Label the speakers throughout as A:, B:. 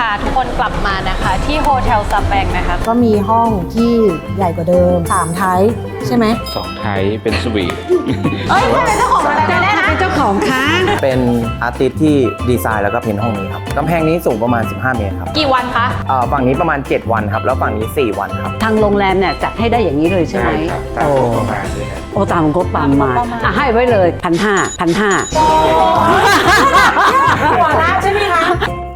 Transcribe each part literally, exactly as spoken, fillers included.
A: าทุกคนกลับมานะคะที่โฮเทลซาแปงนะคะ
B: ก็มีห้องที่ใหญ่กว่าเดิมสามไทป์ใช่ไหม
C: สองไทป์เป็นสวีท
A: เอ้ยใครเป็นเจ้าของอะไรได้นะ
B: เป็นเจ้าของคะ
D: เป็นอาร์ติสต์ที่ดีไซน์แล้วก็เพ้นท์ห้องนี้ครับกำแพงนี้สูงประมาณสิบห้าเมตรครับ
A: กี่วันคะ
D: อ่าฝั่งนี้ประมาณเจ็ดวันครับแล้วฝั่งนี้สี่วันครับ
E: ทางโรงแรมเนี่ยจัดให้ได้อย่างนี้เลยใช่ไหมโอ้โอ้ตามงบประมาณอ่ะให้ไว้เลยพันห้าพันห้า
B: หัวร้านใช่ไหมคะ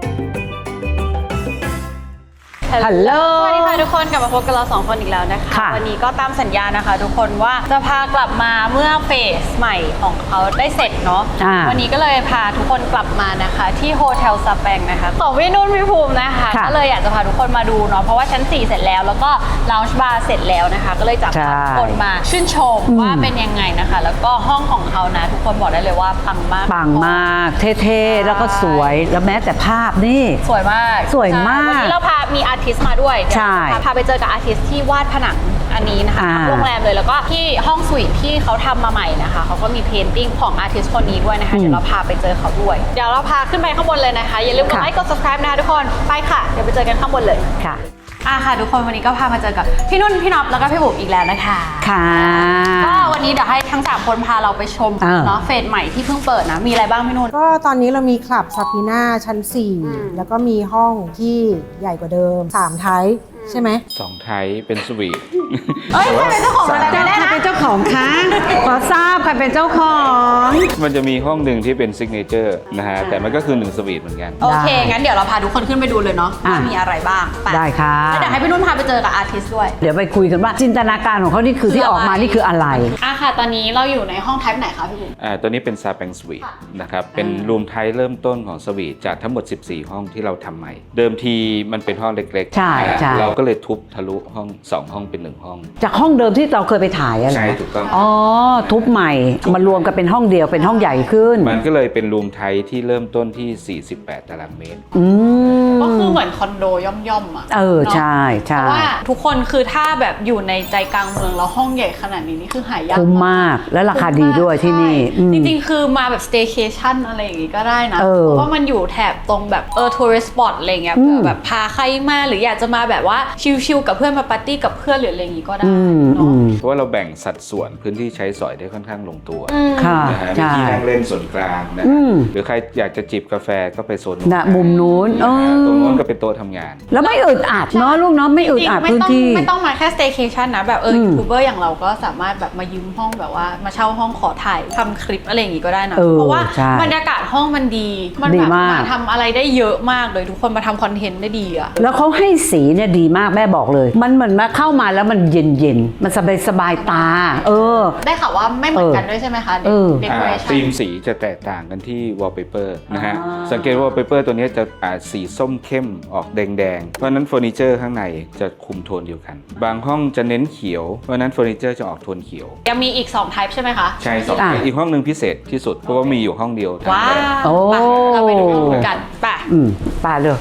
E: ฮัลโหล
A: สวัสดีค่ะทุกคนกลับมาพบกับเราสองคนอีกแล้วนะคะวันนี้ก็ตามสัญญานะคะทุกคนว่าจะพากลับมาเมื่อเฟสใหม่ของเขาได้เสร็จเนาะวันนี้ก็เลยพาทุกคนกลับมานะคะที่โฮเทลซาแปงนะคะของพี่นุ่นพี่ภูมินะคะก็เลยอยากจะพาทุกคนมาดูเนาะเพราะว่าชั้นสี่เสร็จแล้วแล้วก็ลาวจ์บาร์เสร็จแล้วนะคะก็เลยจะพาทุกคนมาชื่นชมว่าเป็นยังไงนะคะแล้วก็ห้องของเขานะทุกคนบอกได้เลยว่าปังมาก
E: ปังมากเท่ๆแล้วก็สวยแล้วแม้แต่ภาพนี่
A: สวยมาก
E: สวยมาก
A: วันนี้เราพามีอาร์ติสต์มาด้วย
E: ใช่
A: พาไปเจอกับอาร์ติสต์ที่วาดผนังอันนี้นะคะโรงแรมเลยแล้วก็ที่ห้องสวีทที่เขาทำมาใหม่นะคะเขาก็มีเพนติ้งของอาร์ติสต์คนนี้ด้วยนะคะเดี๋ยวเราพาไปเจอเขาด้วยเดี๋ยวเราพาขึ้นไปข้างบนเลยนะคะอย่าลืมกดไลค์กด ซับสไครบ์ นะคะทุกคนไปค่ะเดี๋ยวไปเจอกันข้างบนเลย
E: ค่ะ
A: อ่ะค่ะทุกคนวันนี้ก็พามาเจอกับพี่นุ่นพี่น็อปแล้วก็พี่บุ๋มอีกแล้วนะคะ
E: ค่ะ
A: ก็วันนี้เดี๋ยวให้ทั้งสามคนพาเราไปชมเนาะเฟสใหม่ที่เพิ่งเปิดนะมีอะไรบ้างพี่นุ่น
B: ก็ตอนนี้เรามีคลับซาพีน่าชั้นสี่แล้วก็มีห้องที่ใหญ่กว่าเดิมสามไทป์ใช่ไหม
C: สองไทป์เป็นสวีท
A: เอ้ยใครเป็นเจ้าของอะไรได้นะ
E: เป็นเจ้าของคะขอทราบใครเป็นเจ้าของ
C: มันจะมีห้องหนึ่งที่เป็นซิกเนเจอร์นะฮะแต่มันก็คือหนึ่งสวีทเหมือนกัน
A: โอเคงั้นเดี๋ยวเราพาทุกคนขึ้นไปดูเลยเนาะว่ามีอะไรบ้าง
E: ได้ค่ะ
A: แล้วเดี๋ยวให้พี่นุ่นพาไปเจอกับอาร์ติสต์ด้วย
E: เดี๋ยวไปคุยกันว่าจินตนาการของเขานี่คือที่ออกมานี่คืออะไร
A: อ่ะค่ะตอนนี้เราอยู่ในห้องไทป์ไหนคะพี่บุ๋ม
C: อ่าตัวนี้เป็นซาแปงสวีทนะครับเป็นรูมไทป์เริ่มต้นของสวีทจากทั้งหมดสิบสี่ห้องที่เราทำใหม่เดิมทีมันเป็นห้องเล็กๆ
E: ใช่ใช่
C: เราก็เลยทุบทะลุห้องสองห้องเป็นหนึ่งห้อง
E: จากห้องเดิมที่เราเคยไปถ่ายอะไร
C: ใช่ถูกต้อง
E: อ๋อทุบใหม่มารวมกันเป็นห้องเดียวเป็นห้องใหญ่ขึ้น
C: มันก็เลยเป็นรูมไทป์ที่เริ่มต้นที่สี่สิบแปดตารางเมตร
A: ก็คือเหมือนคอนโดย่อมๆอ่ะ
E: เออใช่ใช่
A: เพราะว่าทุกคนคือถ้าแบบอยู่ในใจกลางเมืองแล้วห้องใหญ่ขนาดนี้นี่คือหายาก
E: คุ้มมากและราคาดีด้วยที่นี่
A: จริงๆคือมาแบบ staycation อะไรอย่างงี้ก็ได้นะเพราะว่ามันอยู่แถบตรงแบบเออ tourist spot อะไรเงี้ยเผื่อแบบพาใครมาหรืออยากจะมาแบบว่าชิลๆกับเพื่อนมาปาร์ตี้กับเพื่อนหรืออะไรอย่างงี้ก็ได้เนาะ
C: เพราะว่าเราแบ่งสัดส่วนพื้นที่ใช้สอยได้ค่อนข้างลงตัวนะฮะมีที่นั่งเล่นส่วนกลางนะหรือใครอยากจะจิบกาแฟก็ไปโซน
E: นะมุมนู้น
C: ตรงนู้นก็เป็นโต๊ะทำงาน
E: แล้วไม่อึดอัดเนาะลูกเนาะไม่อึดอัดพื้นที่
A: ไม่ต้องมาแค่ staycation นะแบบเออยูทูบเบอร์อย่างเราก็สามารถแบบมายืมห้องแบบว่ามาเช่าห้องขอถ่ายทำคลิปอะไรอย่างงี้ก็ได้นะเพราะว่าบรรยากาศห้องมันดีมันแบบมาทำอะไรได้เยอะมากเลยทุกคนมาทำคอนเทนต์ได้ดีอะ
E: แล้วเขาให้สีเนี่ยดีมากแม่บอกเลยมันเหมือนมาเข้ามาแล้วมันเย็นเย็นมันสบายสบายตาเออ
A: ได้ข่าวว่าไม่เหมือนกันด้วยใช่ไหมคะเด็กเรชั่น
C: ธีมสีจะแตกต่างกันที่ wallpaper นะฮะสังเกตว่า wallpaper ตัวนี้จะสีส้มเข้มออกแดงๆเพราะนั้นเฟอร์นิเจอร์ข้างในจะคุมโทนเดียวกันบางห้องจะเน้นเขียวเพราะนั้นเฟอร์นิเจอร์จะออกโทนเขียว
A: ยังมีอีกสอง type ใช่ไหมคะ
C: ใช่สองอีกห้องหนึ่งพิเศษที่สุดเพราะว่ามีอยู่ห้องเดียว
A: ว้าวเราไปดูกันป่ะ
E: อืมป่ะเลย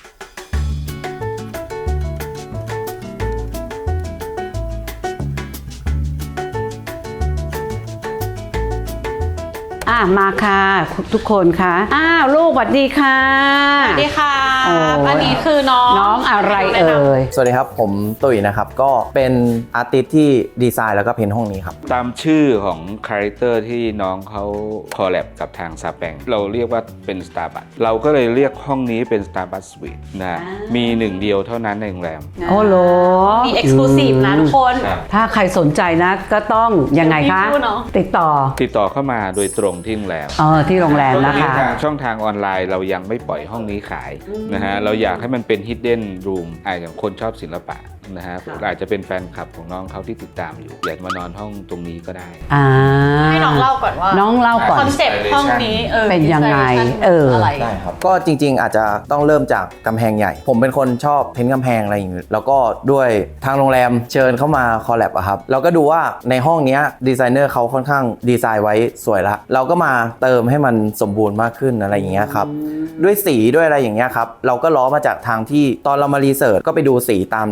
E: มาค่ะทุกคนค่ะอ้าวลูกสวัสดีค่ะ
A: สวัสดีค่ะอันนี้คือน้อง
E: น้องอะไรเอ่ย
D: สวัสดีครับผมตุ๋ยนะครับก็เป็นอาร์ติสต์ที่ดีไซน์แล้วก็เพ้นท์ห้องนี้ครับ
C: ตามชื่อของคาแรคเตอร์ที่น้องเขาคอลแลบกับทางซาแปงเราเรียกว่าเป็น Starbucks เราก็เลยเรียกห้องนี้เป็น Starbucks Suite นะมีหนึ่งเดียวเท่านั้นในโรงแรม
E: โอ้โห
A: มี Exclusive นะทุกคน
E: ถ้าใครสนใจนะก็ต้องยังไงคะติดต่อ
C: ติดต่อเข้ามาโดยตรงที่โรงแรม
E: เออที่โรงแรมนะคะ
C: ทางช่องทางออนไลน์เรายังไม่ปล่อยห้องนี้ขายนะฮะเราอยากให้มันเป็น hidden room อ่าอย่างคนชอบศิลปะนะฮะอาจจะเป็นแฟนคลับของน้องเขาที่ติดตามอยู่อยากมานอนห้องตรงนี้ก็ได้
A: ให้น้องเล่าก่อนว่า
E: น้องเล่าก่อน
A: คอนเซ็ปต์ห้องนี้เออ
E: เป็นยังไงเออ
D: ได้ครับก็จริงๆอาจจะต้องเริ่มจากกำแพงใหญ่ผมเป็นคนชอบเพ้นท์กำแพงอะไรอย่างเงี้ยแล้วก็ด้วยทางโรงแรมเชิญเข้ามาคอลแลบอะครับเราก็ดูว่าในห้องนี้ดีไซเนอร์เขาค่อนข้างดีไซน์ไว้สวยละเราก็มาเติมให้มันสมบูรณ์มากขึ้นอะไรอย่างเงี้ยครับด้วยสีด้วยอะไรอย่างเงี้ยครับเราก็ล้อมาจากทางที่ตอนเรามารีเสิร์ชก็ไปดูสีตามที่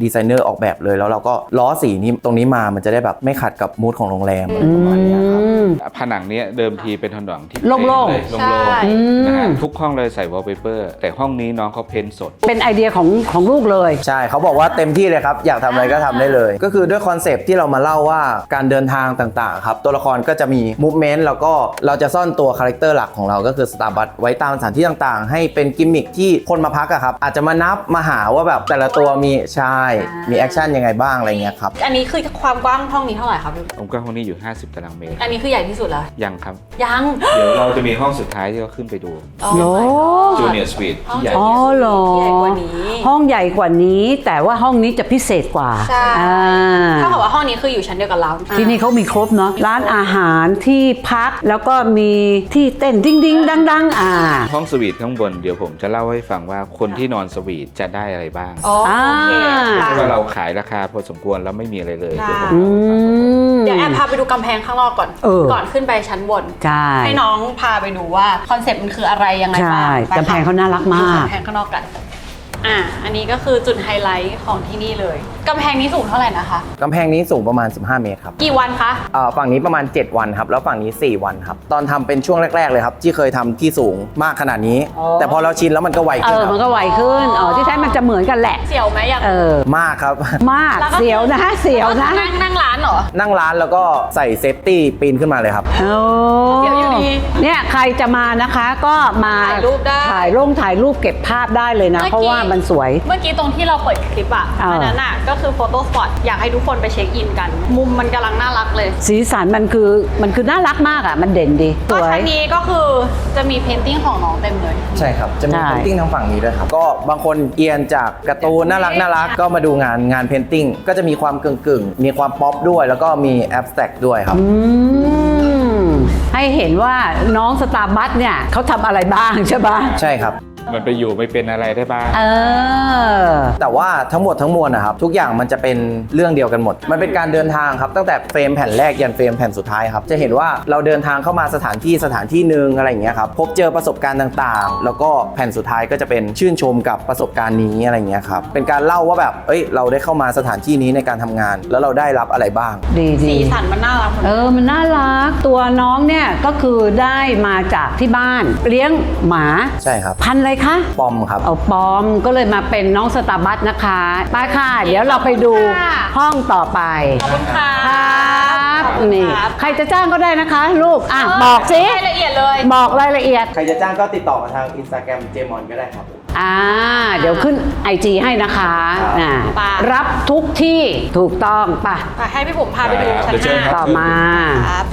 D: ดีไซเนอร์ออกแบบเลยแล้วเราก็ล้อสีนี้ตรงนี้มามันจะได้แบบไม่ขัดกับมูดของโรงแรมอะไรประมาณเนี้ยครับ
C: ผนังเนี้ยเดิมทีเป็นผนังที่
E: โล่งๆ
C: เยโล่
A: ใช่
C: งๆนะฮะทุกห้องเลยใส่วอลเปเปอร์แต่ห้องนี้น้องเขาเพ้นท์สด
E: เป็นไอเดียของของลูกเลย
D: ใช่เขาบอกว่าเต็มที่เลยครับ อยากทำอะไรก็ทำได้เลย ก็คือด้วยคอนเซปต์ที่เรามาเล่าว่าการเดินทางต่างๆครับตัวละครก็จะมีมูฟเมนต์แล้วก็เราจะซ่อนตัวคาแรคเตอร์หลักของเราก็คือสตาร์บัคไว้ตามสถานที่ต่างๆ ให้เป็นกิมมิคที่คนมาพักอะครับอาจจะมานับมาหาว่าแบบแต่ละตัวมีใช่มีแอคชั่นยังไงบ้างอะไรเงี้ยครับ
A: อันนี้คือความกว้างห้องนี้เท่าไหร่ครับ
C: องค์กว้างห้องนี้อยู่ ห้าสิบ ตารางเมตร
A: อันนี้คือใหญ่ที่สุดแล้ว
C: ยังครับ
A: ยัง
C: เดี๋ยวเราจะมีห้องสุดท้ายที่เราขึ้นไปดู
A: โอ้
E: โอ้
C: จูเนียร์สวีทที่ใหญ่
E: อ๋อ
C: ที่สุด
E: เหรอ
A: ใหญ่กว่านี้
E: ห้องใหญ่กว่านี้แต่ว่าห้องนี้จะพิเศษกว่า
A: ใช่
E: อ่า
A: ถ้าบอกว่าห้องนี้คืออยู่ชั้นเดียวกับเรา
E: ที่นี่เขามีครบเนาะร้านอาหารที่พักแล้วก็มีที่เต้นดิ้งดิ้งดังดังๆอ่า
C: ห้องสวีทข้างบนเดี๋ยวผมจะเล่าให้ฟังว่าคนที่นอนสวีทจะได้อะไรบ้าง
A: อ๋อโอเค
E: อ่า
A: ค่ะ
C: เพราะว่าเราขายราคาพอสมควรแล้วไม่มีอะไรเลย
A: ได้
C: เดี๋ยวผม
E: อื
C: เล่าให้ฟัง
E: ม
A: เดี๋ยวแอบพาไปดูกำแพงข้างนอกก่อน
E: เออ
A: ก่อนขึ้นไปชั้นบน
E: ใช่
A: ให้น้องพาไปดูว่าคอนเซ็ปต์มันคืออะไรยังไงบ้าง
E: ใช่
A: ไปค่ะ
E: กำแพงเขาน่ารักมาก
A: ดูกำแพงข้างนอกกัน อ่ะ อันนี้ก็คือจุดไฮไลท์ของที่นี่เลย กำแพงนี้สูงเท่าไหร่นะคะ
D: กำแพงนี้สูงประมาณสิบห้าเมตรครับ
A: กี่วันคะ
D: อ่าฝั่งนี้ประมาณเจ็ดวันครับแล้วฝั่งนี้สี่วันครับตอนทำเป็นช่วงแรกๆเลยครับที่เคยทำที่สูงมากขนาดนี้
E: อ๋อ
D: แต่พอเราชินแล้วมันก็ไว
E: เอ
D: ขึ้น
E: อ
D: ค
E: มัน
D: รับ
E: ก็ไวขึ้นอ๋อที่แท้มันจะเหมือนกันแหละ
A: เสียวไหมอยาก
E: เออ
D: มากครับ
E: มาก
A: แล้วก็
E: เสียวนะเสียวนะ
A: นั่งนั่งร้านเหรอ
D: นั่งร้านแล้วก็ใส่เซฟตี้ปีนขึ้นมาเลยครับ
E: โอ้
A: เดี๋ยวอยู่ดี
E: เนี่ยใครจะมานะคะก็มา
A: ถ่ายรูปได้
E: ถ่ายลงถ่ายรูปเก็บภาพได้เลยนะ
A: เมื่อกี้
E: เพราะว่ามันสวย
A: เมื่อกี้ตรงที่เราเปิดคลิปอ่ะ
E: เอออั
A: อันนั้นอ่ะก็คือโฟโต้สปอตอยากให้ทุกคนไปเช็คอินกัน มุมมันกำลังน่ารักเลย
E: สีสันมันคือมันคือน่ารักมากอ่ะ มันเด่นดีส
A: ก็
E: วย
A: ชั้นนี้ก็คือจะมีเพนติ้งของน้องเต็มเลย
D: ใช่ครับ จะมี
E: ใช่
D: เพนติ้งทางฝั่งนี้ด้วยครับ ก็บางคนเอียนจากการ์ตูนน่ารักน่ารักก็มาดูงานงานเพนติ้งก็จะมีความกึ่งกึ่งๆมีความป๊อปด้วย แล้วก็มีแอบสแต็กด้วยครับ
E: อืมให้เห็นว่าน้องสตาร์บัคเนี่ยเขาทำอะไรบ้างใช่ปะ
D: ใช่ครับ
C: มันไปอยู่ไม่เป็นอะไรได้บ้าง
E: เออ
D: แต่ว่าทั้งหมดทั้งมวลนะครับทุกอย่างมันจะเป็นเรื่องเดียวกันหมด มันเป็นการเดินทางครับตั้งแต่เฟรมแผ่นแรกยันเฟรมแผ่นสุดท้ายครับจะเห็นว่าเราเดินทางเข้ามาสถานที่สถานที่หนึ่งอะไรอย่างเงี้ยครับพบเจอประสบการณ์ต่างๆ แล้วก็แผ่นสุดท้ายก็จะเป็นชื่นชมกับประสบการณ์นี้อะไรอย่างเงี้ยครับเป็นการเล่าว่าแบบเอ้ยเราได้เข้ามาสถานที่นี้ในการทำงาน แล้วเราได้รับอะไรบ้าง
E: ดี
A: สี
E: ดี
A: สันมันน่ารักหมด
E: เออ มันน่ารัก ตัวน้องเนี่ยก็คือได้มาจากที่บ้าน เลี้ยงหมา
D: ใช่ครับ
E: พันธุ์อะไรคะ
D: ปอมครับ
E: เอาปอมก็เลยมาเป็นน้องสตาร์บัคนะคะไปค่ะ เดี๋ยวเราไปดูห้องต่อไป
A: ขอบคุณค่ะ
E: ครับ
A: ขอบคุณ
E: นี่
A: ครับ
E: ใครจะจ้างก็ได้นะคะ ลูก อ่ะ บอกสิ
A: รายละเอียดเลย
E: บอกรายละเอียด
D: ใครจะจ้างก็ติดต่อมาทาง Instagram เจมอนก็ได้ครับ
E: อ่า เดี๋ยวขึ้น ไอ จี ให้นะคะ
D: ครับ
E: อ่า
A: ไป
E: รับทุกที่ถูกต้องป่ะ
A: ไปให้พี่ผมพาไปดูชั้น
C: เดี๋ยวเชิญ
A: ห้า
C: ครับ
E: ต่อมา
A: ครับ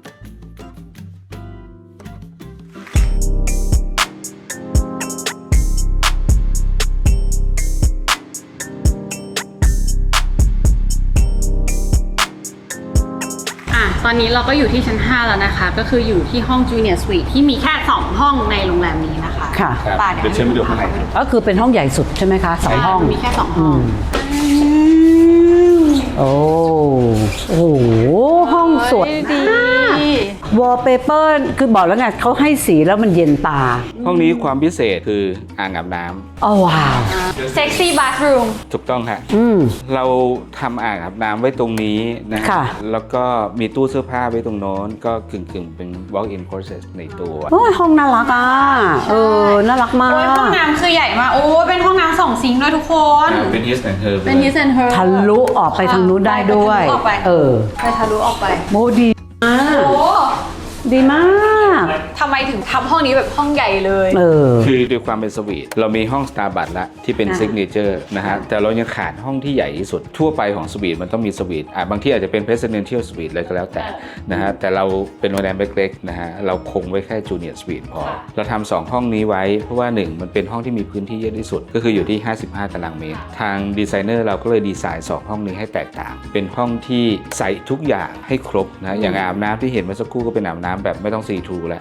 A: อ่ะ ตอนนี้เราก็อยู่ที่ชั้น ห้า แล้วนะคะ ก็คืออยู่ที่ห้อง Junior Suite ที่มีแค่ สอง ห้องในโรงแรมนี้นะคะ
E: ค่ะ
C: ครับ
A: ป่ะ
C: เดี๋ยวเชิญไปดูข้างในครับ
E: ก็คือเป็นห้องใหญ่สุดใช่ไหมคะสองห้อง
A: มีแค่ สอง ห้อง
E: โอ้โอ้โห ห้องสวย
A: ดี
E: วอลเปเปอร์คือบอกแล้วไงเขาให้สีแล้วมันเย็นตา
C: ห้องนี้ความพิเศษคืออ่างอาบน้ำ
E: อ๋อว้าว
A: เซ็กซี่บาร์รูม
C: ถูกต้องค่ะ
E: อืม
C: เราทำอ่างอาบน้ำไว้ตรงนี้นะฮะ
E: ค่ะ
C: แล้วก็มีตู้เสื้อผ้าไว้ตรงโน้น ก็กึ่งๆ เป็น walk-in closet ในตัว
E: โอ้ยห้องน่ารักอ่ะ เออ น่ารักมา
A: โอ้ยห้อง
E: ก
A: น้ำคือใหญ่มาก โอ้ยเป็นห้องน้ำสองซิงค์ด้วยทุกคน
C: เป็น his and her
A: เป็น his and her
E: ทะลุออกไปทางนู้นได้ด้วย
A: ไปทะลุออกไป
E: เออ
A: ไปทะลุออกไป
E: โมดีมาก
A: โอ้
E: ดีมาก
A: ทำไมถึงทำห้องนี้แบบห้องใหญ่เลย
E: เออ
C: คือด้วยความเป็นสวีทเรามีห้อง Starbucks ละที่เป็น
A: อ่า
C: ซิกเนเจอร์นะฮะ แต่เรายังขาดห้องที่ใหญ่ที่สุด ทั่วไปของสวีทมันต้องมีสวีทอ่ะบางที่อาจจะเป็น Presidential Suite อะไรก็แล้วแต่นะฮะ แต่เราเป็นโรงแรมเล็กๆนะฮะ เราคงไว้แค่ Junior Suite พอ เราทำสองห้องนี้ไว้ เพราะว่าหนึ่งมันเป็นห้องที่มีพื้นที่เยอะที่สุด ก็คืออยู่ที่ ห้าสิบห้า ตารางเมตร ทางดีไซเนอร์เราก็เลยดีไซน์สองห้องนี้ให้แตกต่าง เป็นห้องที่ใส่ทุกอย่างให้ครบนะ อย่างอาบน้ำที่เห็นเมื่อสักครู่ก็เป็นอาบน้ำแบบไม่ต้องซีทรูแล้วกึ่ง outdoor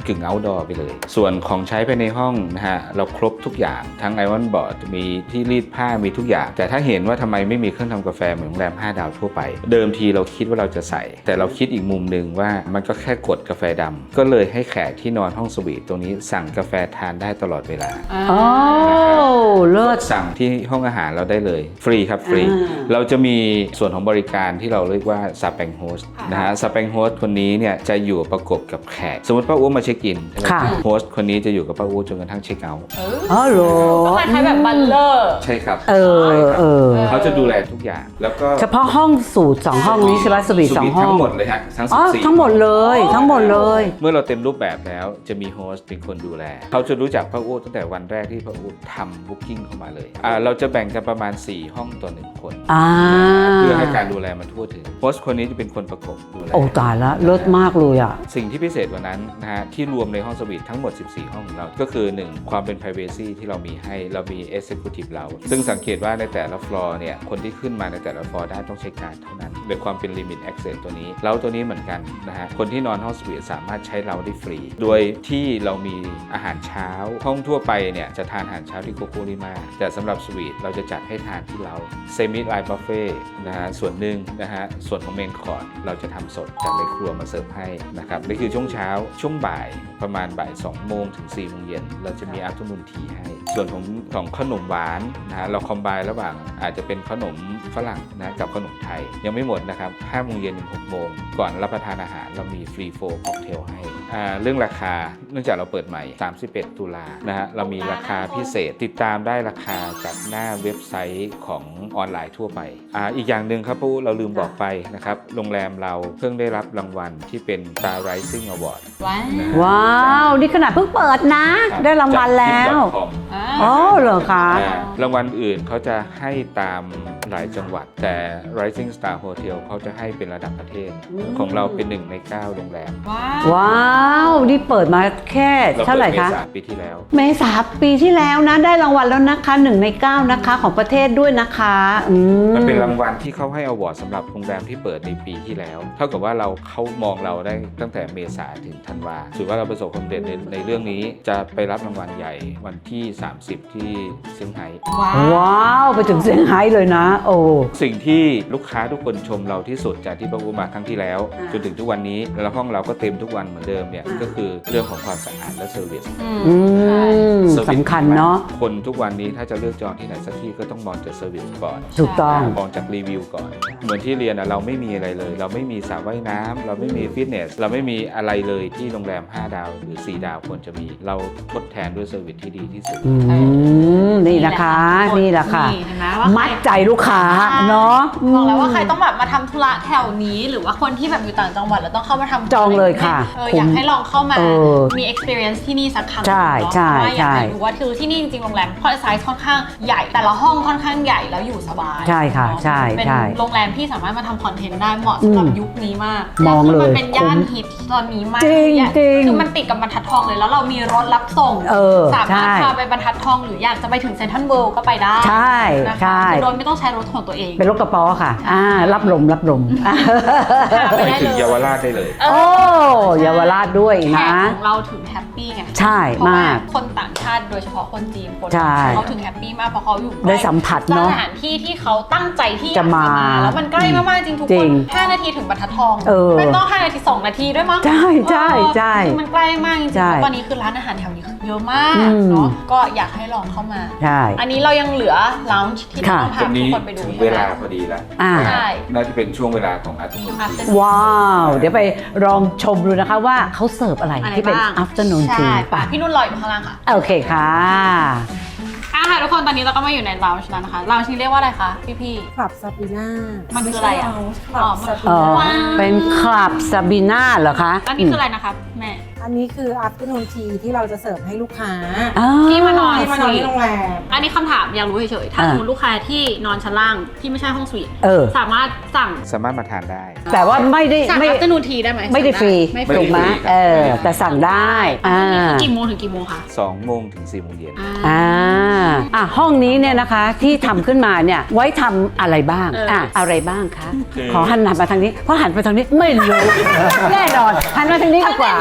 C: ดอร์ไปเลย ส่วนของใช้ภายในห้องนะฮะเราครบทุกอย่างทั้งไอรอนบอร์ดมีที่รีดผ้ามีทุกอย่างแต่ถ้าเห็นว่าทำไมไม่มีเครื่องทำกาแฟเหมือนโรงแรมห้าดาวทั่วไปเดิมทีเราคิดว่าเราจะใส่แต่เราคิดอีกมุมหนึ่งว่ามันก็แค่กดกาแฟดำก็เลยให้แขกที่นอนห้องสวีทตรงนี้สั่งกาแฟทานได้ตลอดเวลา
E: โอ้เลิศ
C: สั่งที่ห้องอาหารเราได้เลยฟรีครับฟรี
E: อ่า
C: เราจะมีส่วนของบริการที่เราเรียกว่าซาแปงโฮสนะฮะซาแปงโฮสคนนี้เนี่ยจะอยู่ประกบกับแขกสมมติป้าอู๋มาเช็คอินใช่ไหม
E: ค่ะ
C: โฮสคนนี้จะอยู่กับป้าอู๋จนกระทั่งเช็คเอาท์
E: อ๋อเหรอ
A: ก็คล้ายๆแบบบัลเลอร์
C: ใช่ครับ
E: เออเออ
C: เขาจะดูแลทุกอย่างแล้วก็
E: เฉพาะห้องสูตรสองห้องนี้ใช่ไหมสวีทสองห้อง
C: ทั้งหมดเลยฮะทั้ง
E: อ๋
C: สิ
E: อบ
C: สี่
E: ทั้งหมดเลยทั้งหมดเลย
C: เมื่อเราเต็มรูปแบบแล้วจะมีโฮสต์เป็นคนดูแลเขาจะรู้จักป้าอู๋ตั้งแต่วันแรกที่ป้าอู๋ทำบุ๊กิ้งเข้ามาเลยอ่าเราจะแบ่งกันประมาณสี่ห้องต่อหนึ่งคน
E: อ่า
C: เพื่อให้การดูแลมันทั่วถึงโฮสต์คนนี้จะเป็นคนประกบดูแล
E: โอ้ตายละเลิศมากเลยอ่ะ
C: สิ่งที่พิเศษกว่านั้นนะฮะที่รวมในห้องสวีททั้งหมดสิบสี่ห้องของเราก็คือหนึ่งความเป็น privacy ที่เรามีให้เรามี executive เราซึ่งสังเกตว่าในแต่ละฟลอร์เนี่ยคนที่ขึ้นมาในแต่ละฟลอร์ได้ต้องใช้การดเท่านั้นโดยความเป็น limit access ตัวนี้เราตัวนี้เหมือนกันนะฮะคนที่นอนห้องสวีทสามารถใช้เราได้ฟรี โดยที่เรามีอาหารเช้าห้องทั่วไปเนี่ยจะทานอาหารเช้าที่โกโกริมาแต่สำหรับสวีทเราจะจัดให้ทานที่เรา semi live buffet นะฮะส่วนหนึ่งนะฮะส่วนของเมนคอร์สเราจะทำสดจากในครัวมาเสิร์ฟให้นะครับนี่คือช่วงเช้าช่วงบ่ายประมาณบ่ายสองโมงถึงสี่โมงเย็นเราจะมี afternoon tea ให้ส่วนของของขนมหวานนะฮะเราคอมไบน์ระหว่างอาจจะเป็นขนมฝรั่งนะกับขนมไทยยังไม่หมดนะครับห้าโมงเย็นถึงหกโมงก่อนรับประทานอาหารเรามีฟรีโฟล์ค็อกเทลให้อ่าเรื่องราคาเนื่องจากเราเปิดใหม่สามสิบเอ็ดตุลานะฮะเรามีราคาพิเศษติดตามได้ราคาจากหน้าเว็บไซต์ของออนไลน์ทั่วไปอ่าอีกอย่างหนึ่งครับปุ๊เราลืมบอกไปนะครับโรงแรมเราเพิ่งได้รับรางวัลที่เป็น Star Rising Award
A: ว้าว
C: นะฮะ
E: ว้าวนี่ขนาดเพิ่งเปิดนะ ได้รางวัลแล้ว
C: จาก Tip ดอท คอม
E: อ๋อเหรอคะ
C: อ่ารางวัลอื่นเขาจะให้ตามหลายจังหวัดแต่ Rising Star Hotel เขาจะให้เป็นระดับประเทศ ของเราเป็นหนึ่งในเก้าโรงแรม
A: ว้าว
E: ว้าวนี่เปิดมาแค่
C: เรา
E: เท่าไหร่
C: เปิด
E: คะ
C: เมษาปีที่แล้ว
E: เมษาปีที่แล้วนะได้รางวัลแล้วนะคะหนึ่งในเก้านะคะของประเทศด้วยนะคะอืม
C: มันเป็นรางวัลที่เขาให้อวอร์ดสำหรับโรงแรมที่เปิดในปีที่แล้ว เท่ากับว่าเราเขามองเราได้ตั้งแต่เมษาถึงธันวาถือว่าเราประสบความสำเร็จในในเรื่องนี้จะไปรับรางวัลใหญ่วันที่สามสิบที่เซี่ยงไฮ้
A: ว้าว
E: ว้าวไปถึงเซี่ยงไฮ้เลยนะ โอ้
C: สิ่งที่ลูกค้าทุกคนชมเราที่สุดจากที่ป้าอูมาครั้งที่แล้ว
E: อ่า
C: จนถึงทุกวันนี้แล้วห้องเราก็เต็มทุกวันเหมือนเดิมเนี่ย
E: อ่า
C: ก็คือเรื่องของความสะอาดและเซอร์วิส
A: อืม
E: อืม
C: เซอร์วิส
E: สำคัญเนาะ
C: คนทุกวันนี้ถ้าจะเลือกจองที่ไหนสักที่ก็ต้องมองจากเซอร์วิสก่อน
E: ถูกต้อง
C: มองจากรีวิวก่อน เหมือนที่เรียนอะเราไม่มีอะไรเลย เราไม่มีสระว่ายน้ำเราไม่มีฟิตเนสเราไม่มีอะไรเลยที่โรงแรมห้าดาวหรือสี่ดาวควรจะมีเราทดแทนด้วยเซอร์วิสที่ดีที่สุด
E: อืมนี่นะคะ นี่แหละค่ะ
A: นี่เห็นไหมว่าใคร
E: มัดใจลูกค้าเนาะ
A: บอกแล้วว่าใครต้องแบบมาทำธุระแถวนี้ หรือว่าคนที่แบบอยู่ต่างจังหวัดแล้วต้องเข้ามาทำ
E: จองเลยค่ะ
A: เอออยากให้ลองเข้ามา
E: เออ
A: มี experience ที่นี่สักครั้ง
E: ใช่
A: เนาะ
E: ใช่
A: เพราะว่าอยากให้
E: ใช่
A: รู้ว่าคือที่นี่จริงๆโรงแรมไซส์ค่อนข้างใหญ่แต่ละห้องค่อนข้างใหญ่แล้วอยู่สบาย
E: ใช่ค่ะ
A: เนา
E: ใช่
A: เป็น
E: ใช่
A: โรงแรมที่สามารถมาทำคอนเทนต์ได้เหมาะสำหรับ
E: อืม
A: ยุคนี้มาก
E: มองเลย
A: แวคือมันเป็นย่านฮิตตอนนี้มาก
E: จริง
A: เนี่ย
E: จริง
A: คือมันติดกับบรรทัดทองเลยแล้วเรามีรถรับส่ง
E: เออ
A: สามารถ
E: ใช่
A: พาไปบรรทัดทองหรืออยากจะไปถึงเซ็นทรัลเวิลด์ก็ไปได้
E: ใช่
A: นะคะ
E: ใช่
A: คือโดยไม่ต้องใช้รถของตัวเอง
E: เป็นรถกระป๋อค่ะ อ่า รับลมรับลม
A: ไป
C: ไป
A: ได้
C: ถึง
A: เลย
C: เยาวราชได้เลย
A: เอ
E: โอ้
A: อ
E: เยาวราชด้วย
A: แข
E: นะ
A: กของเราถึงแฮปปี้ไง
E: ใช่
A: เพราะว่าม
E: าก
A: คนต่างชาติโดยเฉพาะคนจีนคน
E: ใช่
A: เขาถึงแฮปปี้มากเพราะเขาอยู่
E: ได้สัมผัสเนอะ
A: สถานที่ที่เขาตั้งใจที่อยาก
E: จะมา
A: แล้วมันใกล้มากๆจริงทุก
E: จริ
A: คน
E: ง
A: ห้านาทีถึงบรรทัดทอง
E: เออ
A: ไม่ต้องห้านาทีสองนาทีด้วยมั้ง
E: ใช่ใช่ใช่
A: เออมันใกล้มากจริงๆ
E: ใช่
A: แล้วตอนนี้คือร้านอาหารแถวนี้คือเยอะมาก
E: อืม
A: เนาะก็อยากให้ลองเข้ามา
E: ใช่
A: อันนี้เรายังเหลือลาวจ์ที่
E: ค่ะ
A: ต้องพา
C: วัน
A: ทุก
C: นี้
A: คนไปดู
C: ถึง
A: ใช่
C: เว
A: ไหม
C: ลาพอดีแล้ว
E: อ่า
A: ใช่
C: น่าจะเป็นช่วงเวลาของอาตุมุนที
A: Afternoon
E: ว้าว เดี๋ยวไปลองชมดูนะคะว่าเขาเสิร์ฟอะไร
A: อะไร
E: ที่เป็น
A: บ้าง
E: afternoon
A: ใช่
E: tea
A: ป่ะพี่นุ่นรออยู่ข้างล่างค่ะ
E: โอเคค่ะ
A: อ่ะค่ะทุกคนตอนนี้เราก็มาอยู่ในลาวช์แล้วนะคะลาวช์นี้เรียกว่าอะไรคะพี่พี่
B: คลับซาปีน่า
A: มั
B: มัน
A: คืออะไรอะ
B: คลับซาปี
E: อ๋อ
B: น่า
A: ว้าว
E: เป็นคลับซาบีน่าเหรอคะ
A: อันนี้คืออะไรนะคะแม่
B: อันนี้คือ afternoon tea ที่เราจะเสิร์ฟให้ลูกค้า
E: อ๋อ
A: ที่มานอน
B: ที่มานอนที่โรงแรม
A: อันนี้คำถามอยากรู้เฉยๆ ถ้า
E: อ่า
A: สมมติลูกค้าที่นอนชั้นล่างที่ไม่ใช่ห้องสวีท
E: เออ
A: สามารถสั่ง
C: สามารถมาทานได้
E: แต่ว่าไม่ได้
A: สั่ง
E: ไม่
A: อัฟเตอร์นูนทีได้ไหม
E: ไม่ได้ฟรี
A: ไม่ฟ
C: ไม่
A: รี
E: ถูกไหม
C: ฟรีครับ
E: เออ แต่สั่งได้อ่า
A: กี่โมงถึงกี่โมงคะ
C: สองโมงถึงสี่โมงเย็น
E: อ่าอ่ะห้องนี้เนี่ยนะคะที่ทำขึ้นมาเนี่ยไว้ทำอะไรบ้าง
A: เอออ่
E: อ่ะอะไรบ้างคะ
C: คือ
E: ขอหันหน้ามาทางนี้เพราะหันไปทางนี้ไม่รู้ แน่นอนหันมาทางนี้ดีกว่า
A: ทั้งใน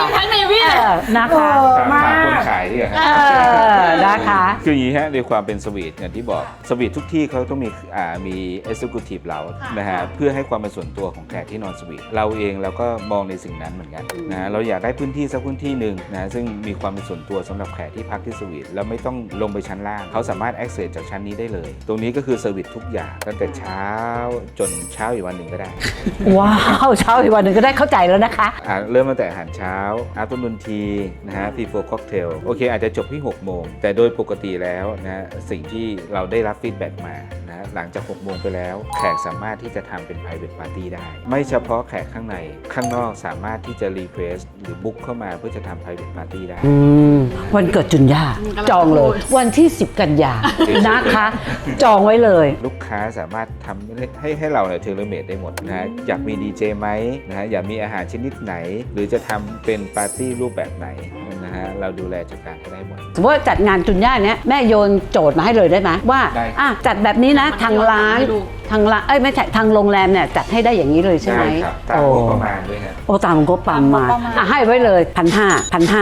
A: พี่
E: เออนะคะ
B: เออ
C: ถามถามคนขายดีกว่า
E: เออนะคะ
C: คืออย่างนี้ฮะในความเป็นสวีทอย่างที่บอกสวีททุกที่เขาต้องมีอ่ามี executive เรานะฮะเพื่อให้ความเป็นส่วนตัวของแขกที่นอนสวีทเราเองเราก็มองในสิ่งนั้นเหมือนกันนะฮะเราอยากได้พื้นที่สักพื้นที่หนึ่งนะซึ่งมีความเป็นส่วนตัวสำหรับแขกที่พักที่สวีทแล้วไม่ต้องลงไปชั้นล่างเขาสามารถ access จากชั้นนี้ได้เลย ตรงนี้ก็คือเซอร์วิสทุกอย่างตั้งแต่เช้าจนเช้าอีกวันหนึ่งก็ได้
E: ว้าวเช้าอีกวันหนึ่งก็ได้เข้าใจแล้วนะคะ
C: อ่าเริ่มตั้งแต่อาหารเช้า afternoon tea นะฮะ before cocktail โอเคอาจจะจบที่หกโมงแต่โดยปกติแล้วนะสิ่งที่เราได้รับฟีดแบ็กมานะหลังจากหกโมงไปแล้วแขกสามารถที่จะทำเป็น private party ได้ไม่เฉพาะแขกข้างในข้างนอกสามารถที่จะ request หรือ book เข้ามาเพื่อจะทำ private party ได้
E: อืมวันเกิดจุนย่าจองเลย วันที่ สิบ กันยานะคะ จองไว้เลย
C: ลูกค้าสามารถทำให้ให้ให้เราเนี่ยเทเลเมดได้หมดนะฮะอยากมีดีเจไหมนะฮะอยากมีอาหารชนิดไหน หรือจะทำเป็นปาร์ตี้รูปแบบไหนนะฮะเราดูแลจัดการให้ได้หมด
E: สมมติว่าจัดงานจุนย่าเนี้ยแม่โยนโจทย์มาให้เลยได้ไหมว่า
C: ได้
E: อ่ะจัดแบบนี้นะทางร้านทางร้านเอ้ยไม่ใช่ทางโรงแรมเนี่ยจัดให้ได้อย่างนี้เลยใช่ไหม
C: ได้ครับตาม
E: โอ้
C: งบประมาณด้วยฮะ
E: โอ้ตามงบประมาณอ่ะให้ไว้เลยพันห้าพันห้า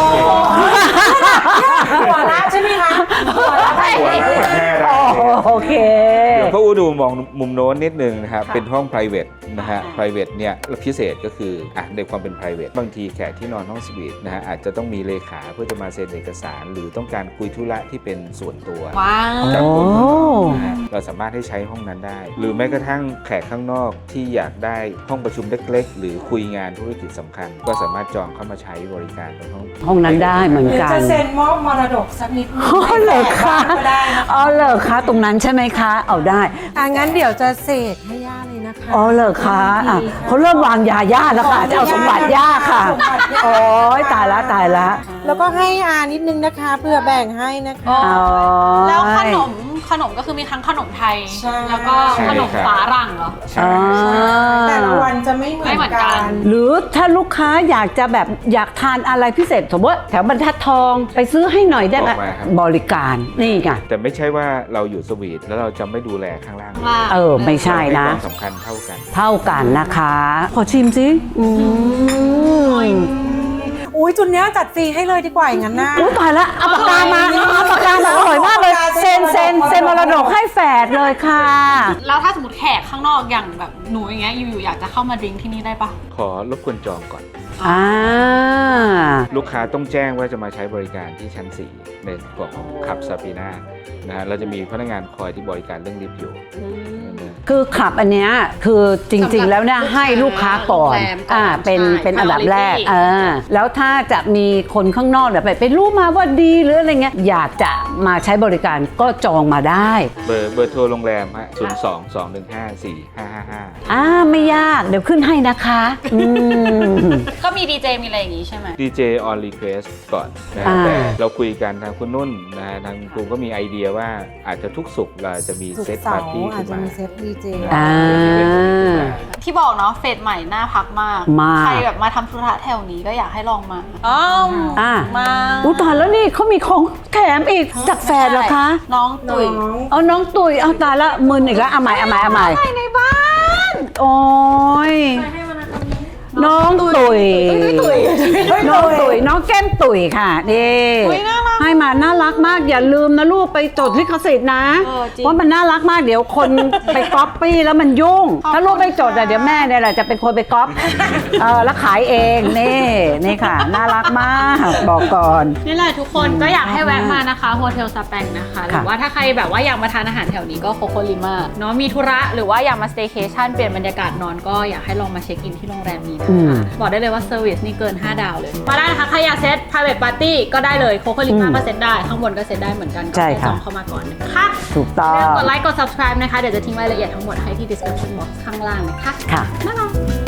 B: หัวละใช่ไหมคะหัวละได้
C: หัวละพันห้าได้
E: โอเค
C: เดี๋ยวพ่ออูดูมองมุมโน้นนิดนึงนะครับเป็นห้อง private นะฮะ private เนี่ยพิเศษก็คืออ่ะในความเป็น private บางทีแขกที่นอนห้องสวีทนะฮะอาจจะต้องมีเลขาเพื่อจะมาเซ็นเอกสาร หรือต้องการคุยธุระที่เป็นส่วนตัว
A: ว้าว
C: จากคน
E: โอ้
C: นะฮะเราสามารถให้ใช้ห้องนั้นได้ หรือแม้กระทั่งแขกข้างนอกที่อยากได้ห้องประชุมเล็กๆ หรือคุยงานธุรกิจสำคัญ ก็สามารถจองเข้ามาใช้บริการตรงห้อง
E: ห้องนั้นได้เหมือน
B: หรือ
E: กัน
B: จะเซ็นมอบมรดกสักนิดนึง
E: อ๋อเหรอคะ
B: ก็ได้นะคะ
E: อ๋อเหรอคะตรงนั้นใช่ไหมคะ เอาได้
B: อ่ะงั้นเดี๋ยวจะเสกให้ย่าเลยนะคะ
E: อ๋อเหรอคะอ่ะเขาเริ่มวางยาย่าแล้วค่ะจะเอาสมบัติย่าค่ะ
B: สมบัติย่า
E: โอ้ยตายละตายละ
B: แล้วก็ให้อานิดนึงนะคะเพื่อแบ่งให้นะคะ
A: อ๋อ
E: อ๋อ
A: แล้วขนมขนมก็คือมีทั้งขนมไทย
B: ใช่
A: แล้วก็ขนมฝารั่งเหรอ
C: ใช่
E: อ่า
B: แต่ละวันจะไม่เหมื
A: ไม่
B: อน
A: เหมือนกั
B: กัน น
E: หรือถ้าลูกค้าอยากจะแบบอยากทานอะไรพิเศษสมมติว่าแถวบรรทัดทองไปซื้อให้หน่อยได้ไหม
C: บอกมาครับ
E: บริการนี่ไง
C: แต่ไม่ใช่ว่าเราอยู่สวีทแล้วเราจะไม่ดูแลข้างล่าง
A: ว่า
E: เออไม่ใช่นะ
C: เราให้ความสำคัญเท่ากัน
E: เท่ากันนะคะ ขอชิมสิอืม
B: อุ้ยจุนเนี้ยจัดฟรีให้เลยดีกว่าอย่างนั้นนะ
E: อุ้ยตายละเอาปากกามาเอาปากกามาอร่อยมากเลยเซ็นเซ็นเซ็นมรดกให้แฝดเลยค่ะ
A: แล้วถ้าสมมติแขกข้างนอกอย่างแบบหนูอย่างเงี้ยอยู่ๆอยากจะเข้ามาดริงก์ที่นี่ได้ปะ
C: ขอรบกวนจองก่อน
E: อ่า
C: ลูกค้าต้องแจ้งว่าจะมาใช้บริการที่ชั้น สี่ ในของขับซาปีนานะฮะเราจะมีพนักงานคอยที่บริการเรื่องลิฟต์อยู่นะ
E: คือขับอันเนี้ยคือจริงๆแล้วเนี่ยให้ลูกค้าก่อน
A: โรงแรมก่อน
E: อ่าเป็น
A: ใช่
E: เป็นอันดับแรก
A: priority
E: เออแล้วถ้าจะมีคนข้างนอกแบบไปรู้มาว่าดีหรืออะไรเงี้ยอยากจะมาใช้บริการก็จองมาได้
C: เบอร์เบอร์โทรโรงแรมฮะศูนย์ สอง สอง หนึ่ง ห้า สี่ ห้า ห้า ห้า
E: อ่าไม่ยากเดี๋ยวขึ้นให้นะคะอืม
A: ก็มีดีเจมีอะไรอย่างงี้ใช่ไหม
C: ดี เจ on request ก่อนนะ
E: อ่า
C: แต่เราคุยกันทางคุณนุ่นนะทางครูก็มีไอเดียว่าอาจจะทุกสุกร์เราจะมี
B: สุก
C: เซต
B: เสา
C: ปาร์
B: ร์
C: ตี้
B: อา
C: ขึ้
B: จ
C: น
B: จะ
C: มา
B: มีเซตดีเจ
E: อ่า
A: ที่บอกเนาะเฟสใหม่น่าพักมาก
E: มาก
A: ใครแบบมาทำธุระแถวนี้ก็อยากให้ลองมาอ๋อ
E: อ่า
A: มา
E: อุ้ยตายแล้วนี่เขามีของแถมอีกจากแฟนเหรอคะ
A: น้องตุ๋ย
E: เอาน้องตุ๋ยเอาตายละมึนอีกแล้วเอาใหม่เอาใหม่เอาใหม่
A: ในบ้าน
E: โอ้ยน้องตุ๋ยน้องตุ๋ยน้องแก้มตุ๋ยค่ะนี่
A: อุ๊ยน่ารัก
E: ให้มาน่ารักมากอย่าลืมนะลูกไปจดลิขสิทธิ์นะ
A: เออจริง
E: เพราะมันน่ารักมากเดี๋ยวคน ไปก๊อปปี้แล้วมันยุ่ง ถ้าลูกไม่จดอะเดี๋ยวแม่เนี่ยแหละจะเป็นคนไปก๊อปเออแล้วขายเองนี่นี่ค่ะ น่ารักมากบอกก่อน
A: นี่แหละทุกคนก็อยากให้แวะมานะคะโฮเทลสแปงนะคะหรือว่าถ้าใครแบบว่าอยากมาทานอาหารแถวนี้ก็โคโคลิมาเนาะมีธุระหรือว่าอยากมาสเตย์เคชั่นเปลี่ยนบรรยากาศนอนก็อยากให้ลองมาเช็คอินที่โรงแรมนี้นะ
E: อืม
A: คะบอกได้เลยว่าเซอร์วิสนี่เกินห้าดาวเลย มาได้นะคะใครอยากเซต private party ก็ได้เลยโคโคลิมาก็เซตได้ข้างบนก็เซตได้เหมือนกันก็
E: ใช่
A: แค่
E: ค่ะ
A: จองเข้ามาก่อนนะคะ
E: ถูกต้อง
A: อย่าลืมกดไลค์กด subscribe นะคะเดี๋ยวจะทิ้งรายละเอียดทั้งหมดให้ที่ description box ข้างล่างนะคะ
E: ค่ะ
A: บ๊ายบาย